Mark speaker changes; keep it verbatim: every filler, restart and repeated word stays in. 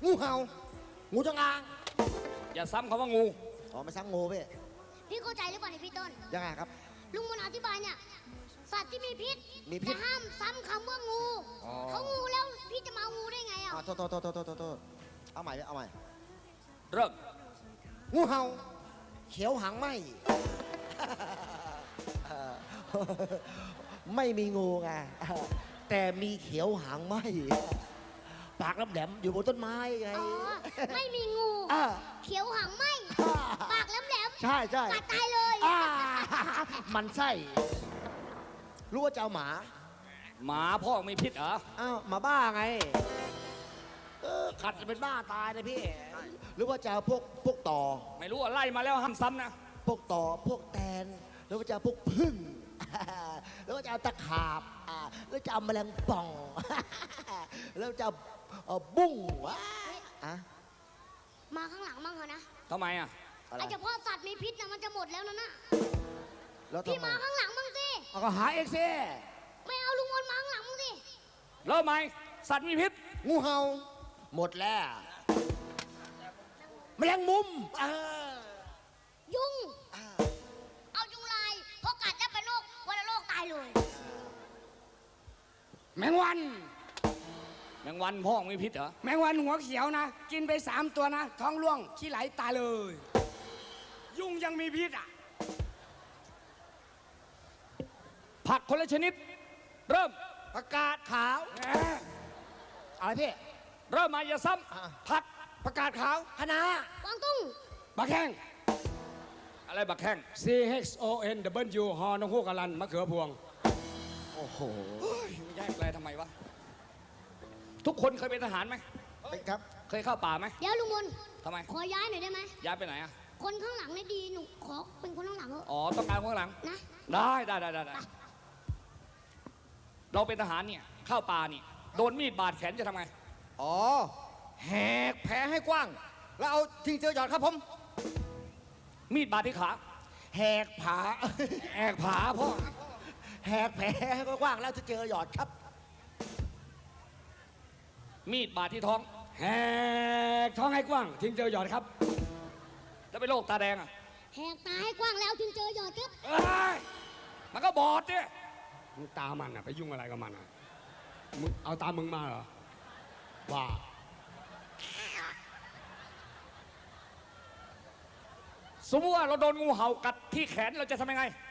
Speaker 1: งูเห่างูจงอาง
Speaker 2: อย่าซ้ำคำว่างู
Speaker 1: อ๋อไม่ซ้ำงูพี่
Speaker 3: พี่เข้าใจหรือเปล่าเนี่ยพี่ต้น
Speaker 1: ยังไงครับ
Speaker 3: ลุงมนอธิบายเนี่ยสัตว์ที่มีพิษ
Speaker 1: มีพิษ
Speaker 3: แต่ห้ามซ้ำคำว่างูเขางูแล้วพี่จะมางูได้ไงอ่ะ
Speaker 1: โทษโทษโทษโทษโทษโทษเอาใหม่เอาใหม่
Speaker 2: เริ่ม
Speaker 1: งูเห่าเขียวหางไหมไม่มีงูไงแต่มีเขียวหางไหมปากแหลมๆอยู่บนต้นไม้ไง
Speaker 3: อ๋อไม่มีงูเขียวหางไหมปากแหลมๆ
Speaker 1: ใช่ใช่
Speaker 3: กัดตายเลย
Speaker 1: มันไส้รู้ว่าจะเอาหมา
Speaker 2: หมาพ่อมีพิษเหรอ
Speaker 1: อ้าวหมาบ้าไงเออขัดเป็นบ้าตายเลยพี่หรือว่าจะเอาพวกพวกต่อ
Speaker 2: ไม่รู้ว่าไล่มาแล้วห้ามซ้ำนะ
Speaker 1: พวกต่อพวกแตนหรือว่าจะเอาพวกพึ่งแล้วก็จะเอาตะขาบแล้วจะเอาแมลงป่องแล้วจะเอาบุ้งวะ
Speaker 3: มาข้างหลังมั่งเหรอนะ
Speaker 2: ทำไมอ่ะ
Speaker 3: ไอ้เฉพาะสัตว์มีพิษนะมันจะหมดแล้วนะน่ะ
Speaker 1: แล้ว
Speaker 3: พี่มาข้างหลังมั่งสิ
Speaker 1: เอาก็หาเองสิ
Speaker 3: ไม่เอาลุงมนมาข้างหลังมั่งสิ
Speaker 2: เริ่มไหมสัตว์มีพิษ
Speaker 1: งูเห่าหมดแล้วแมลงมุม
Speaker 3: ยุงเอายุงลายเพราะกัดจะเป็นโรควัณโรคตายเลย
Speaker 4: แมงวัน
Speaker 2: แมงวันพ่อมีพิษเหรอ
Speaker 4: แมงวันหัวเขียวนะกินไปสามตัวนะท้องร่วงขี้ไหลตายเลยยุงยังมีพิษอ่ะ
Speaker 2: ผักคนละชนิดเริ่ม
Speaker 1: ผักกาดขาวอะไรพี่
Speaker 2: เริ่มมาอย่าซ้ำผัก
Speaker 4: ผักกาดขาว
Speaker 1: คะน้าก
Speaker 3: วางตุ้ง
Speaker 4: บักแข้ง
Speaker 2: อะไรบักแข้ง
Speaker 4: C H O N W ฮอนกฮูกอลันมะเขือพวง
Speaker 2: โอ้โหแยกแปลทำไมวะทุกคนเคยเป็นทหารไหม
Speaker 1: ครับ
Speaker 2: เคยเข้าป่าไหม
Speaker 3: เดี๋ยวลุงมน
Speaker 2: ทำไม
Speaker 3: ขอย้ายหน่อยได้ไหม
Speaker 2: ย้ายไปไหนอ่ะ
Speaker 3: คนข้างหลังนี่ดีหนูขอเป็นคนข้างหลังเถอะ
Speaker 2: อ๋อต้องการคนข้างหลัง
Speaker 3: นะ
Speaker 2: ได้ได้ได้ได้เราเป็นทหารเนี่ยเข้าป่านี่โดนมีดบาดแขนจะทำไง
Speaker 1: อ๋อแหกแผลให้กว้างแล้วเอาทิ้งเจอหยอดครับผม
Speaker 2: มีดบาดที่ขา
Speaker 1: แหกผา
Speaker 2: แหกผาพ่อ
Speaker 1: แหกแผลให้กว้างแล้วจะเจอหยอดครับ
Speaker 2: มีดบาดที่ท้อง
Speaker 4: แหกท้องให้กว้างทิ้งเจอหยอดครับ
Speaker 2: แล้วเป็นโรคตาแดงอ่ะ
Speaker 3: แหกตาให้กว้างแล้วทิ้งเจอหยอดครับ
Speaker 2: เอ้ยมันก็บอดเนี่ย
Speaker 4: มึงตามันอ่ะไปยุ่งอะไรกับมันอ่ะมึงเอาตามึงมาเหรอว่า
Speaker 2: สมมติว่าเราโดนงูเห่ากัดที่แขนเราจะทำยังไง